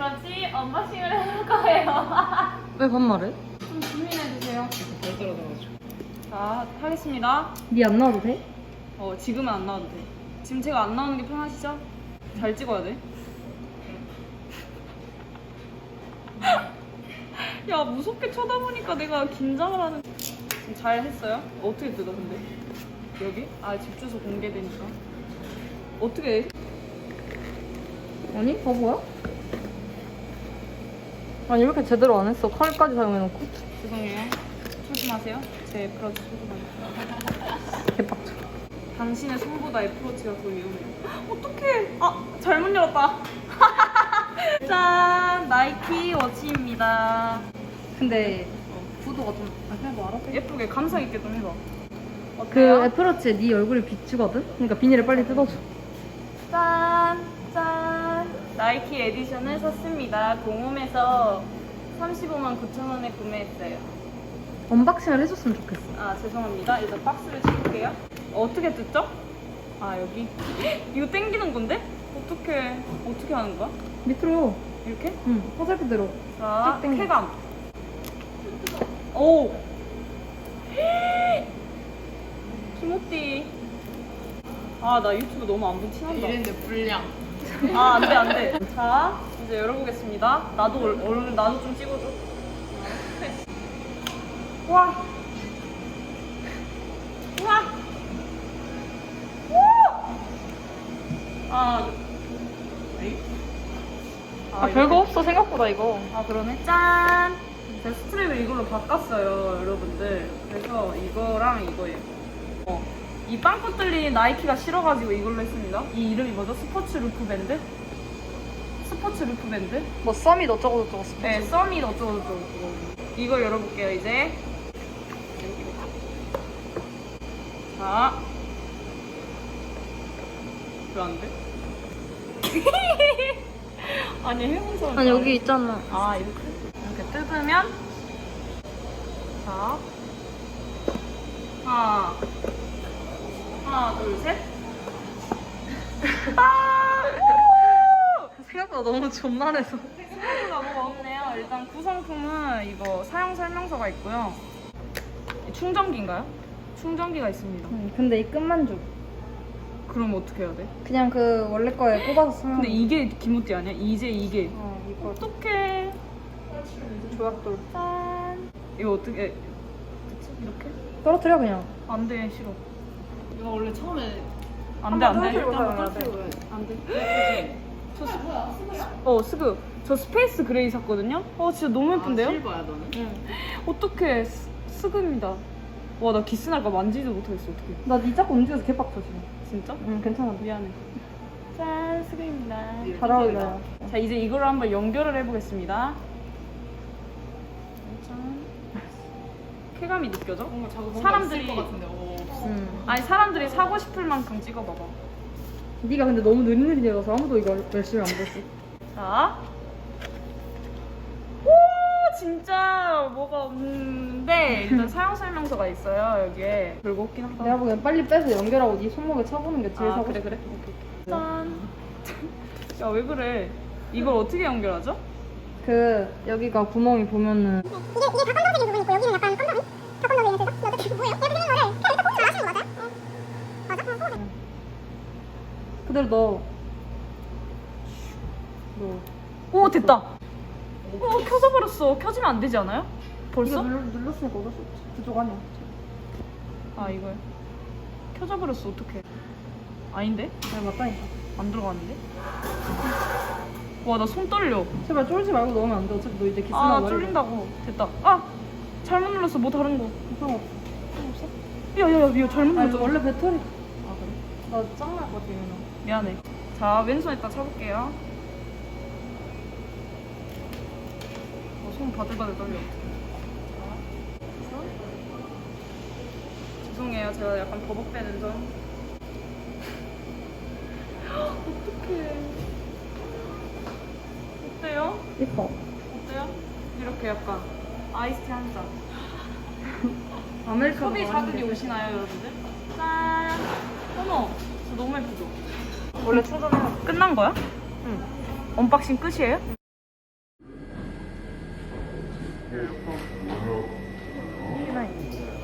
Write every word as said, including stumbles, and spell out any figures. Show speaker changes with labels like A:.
A: 같이 언박싱을 해볼 거예요.
B: 왜 반말해?
A: 좀 고민해주세요. 잘 떨어져가지고. 자, 하겠습니다.
B: 니 안 나와도 돼?
A: 어, 지금은 안 나와도 돼. 지금 제가 안 나오는 게 편하시죠? 잘 찍어야 돼. 야, 무섭게 쳐다보니까 내가 긴장을 하는. 지금 잘 했어요? 어떻게 뜯어, 근데? 여기? 아, 집 주소 공개되니까. 어떻게 해?
B: 아니 바보야? 아니 왜 이렇게 제대로 안 했어? 칼까지 사용해놓고
A: 죄송해요. 조심하세요. 제 애플워치 소중하니까.
B: 개빡쳐.
A: 당신의 손보다 애플워치가 더 위험해요. 어떡해. 아, 잘못 열었다. 짠, 나이키 워치입니다.
B: 근데 구도가 좀 아, 그냥 뭐 알아서 해.
A: 예쁘게 감성 있게 좀 해봐.
B: 그
A: 어때요?
B: 애플워치에 네 얼굴이 비추거든? 그러니까 비닐을 빨리 뜯어줘.
A: 짠, 짠. 나이키 에디션을 샀습니다. 공홈에서 삼십오만 구천 원에 구매했어요.
B: 언박싱을 해줬으면 좋겠어.
A: 아, 죄송합니다. 일단 박스를 찍을게요. 어떻게 뜯죠? 아, 여기. 이거 당기는 건데? 어떻게, 어떻게 하는 거야?
B: 밑으로.
A: 이렇게?
B: 응. 화살표대로.
A: 자,
B: 쭉 당겨.
A: 쾌감. 오! 키모띠. 아, 나 유튜브 너무 안 본 티난다.
C: 이랬는데 불량.
A: 아, 안 돼, 안 돼. 자, 이제 열어보겠습니다. 나도, 얼- 얼른, 나도 좀 찍어줘. 와! 와! 우! 아, 에이?
B: 아,
A: 이렇게?
B: 별거 없어 생각보다 이거.
A: 아, 그러네. 짠! 제가 스트랩을 이걸로 바꿨어요, 여러분들. 그래서 이거랑 이거예요. 어. 이 빵꾸 뚫린 나이키가 싫어가지고 이걸로 했습니다. 이 이름이 뭐죠? 스포츠 루프 밴드? 스포츠 루프 밴드?
B: 뭐 썸이 어쩌고 저쩌고 스포츠.
A: 네, 썸이 어쩌고저쩌고. 이걸 열어볼게요, 이제. 자. 왜 안 돼? 아니, 해본
B: 아니 여기 있잖아.
A: 아, 이렇게? 이렇게 뜯으면. 자. 하나. 하나, 둘, 셋. 아!
B: 생각보다 너무 존만해서.
A: 생각보다 뭐가 없네요. 일단 구성품은 이거 사용 설명서가 있고요. 충전기인가요? 충전기가 있습니다.
B: 응, 근데 이 끝만 줘.
A: 그럼 어떻게 해야 돼?
B: 그냥 그 원래 거에 꼽아서 쓰면.
A: 근데 이게 기모띠 아니야? 이제 이게.
B: 어 이거
A: 어떡해.
B: 조약돌.
A: 짠. 이거 어떻게 그치? 이렇게?
B: 떨어뜨려 그냥.
A: 안 돼, 싫어.
C: 이거 원래 처음에
A: 안 돼, 안 돼.
B: 떨어뜨리고
C: 일단
B: 사용해야 돼.
C: 떨어뜨리고
A: 안 돼. 저 스... 어, 스그. 저 스페이스 그레이 샀거든요? 어, 진짜 너무 예쁜데요?
C: 아, 실버야 너는?
A: 응. 어떡해. 스, 스그입니다. 와, 나 기스 날까 만지지도 못하겠어, 어떡해.
B: 나니 자꾸 움직여서 개빡쳐 지금.
A: 진짜?
B: 응 괜찮아.
A: 미안해. 짠, 스그입니다.
B: 잘 어울려요.
A: 자, 이제 이걸 한번 연결을 해보겠습니다. 짠. 쾌감이 느껴져?
C: 뭔가 자꾸 뭔가
A: 사람들이-
C: 있을 것 같은데. 오.
B: 응.
A: 아니, 사람들이 사고 싶을 만큼 찍어봐봐.
B: 네가 근데 너무 느릿느릿해서 아무도 이거 열심히 안 보지.
A: 자. 오, 진짜 뭐가 없는데 일단 사용 설명서가 있어요, 여기에. 별거 없긴 하다.
B: 내가 보기엔 빨리 빼서 연결하고 네 손목에 쳐보는 게 제일
A: 아,
B: 사고
A: 그래,
B: 싶어.
A: 그래. 오케이. 짠. 야, 왜 그래? 이걸 어떻게 연결하죠?
B: 그 여기가 구멍이 보면은
D: 이게 이게 다 검정색인 부분이 있고 여기는 약간 검정이? 다 검정색인 색이다? 이거 어떻게 뭐예요? 이렇게 생긴 거를 그냥 일단 꼭 잘하시는 거 맞아요? 응. 맞아? 응, 꼭.
B: 그대로 넣어. 넣어.
A: 오, 됐다. 어, 켜져 버렸어. 켜지면 안 되지 않아요? 벌써?
B: 이거 눌, 눌렀으니까 어쩔 수 없지. 그쪽 아니야.
A: 아, 이거요. 켜져 버렸어. 어떡해. 아닌데?
B: 잘 맞다니까.
A: 안 들어가는데? 와, 나 손 떨려.
B: 제발 쫄지 말고 넣으면 안 돼. 어차피 너 이제 기스
A: 아,
B: 나고
A: 나 쫄린다고. 됐다. 아! 잘못 눌렀어. 뭐 다른 거.
B: 상관없어.
A: 야, 야, 야, 이거 잘못
B: 아니
A: 눌렀어.
B: 원래 배터리
A: 아, 그래?
B: 나 짱날 것 같아 이거.
A: 미안해. 자, 왼손에다 쳐볼게요. 어, 손 바들바들 떨려. 자, 그래서 죄송해요. 제가 약간 버벅대는 점. 어떡해. 어때요?
B: 이뻐.
A: 어때요? 이렇게 약간 아이스티 한 잔.
B: 아메리카노
A: 소비 자극이 오시나요, 여러분들? 짠! 어머, 저 너무 예쁘죠?
B: 원래 충전해야 돼.
A: 끝난 거야?
B: 응.
A: 언박싱 끝이에요? 이렇게. 이게 나이.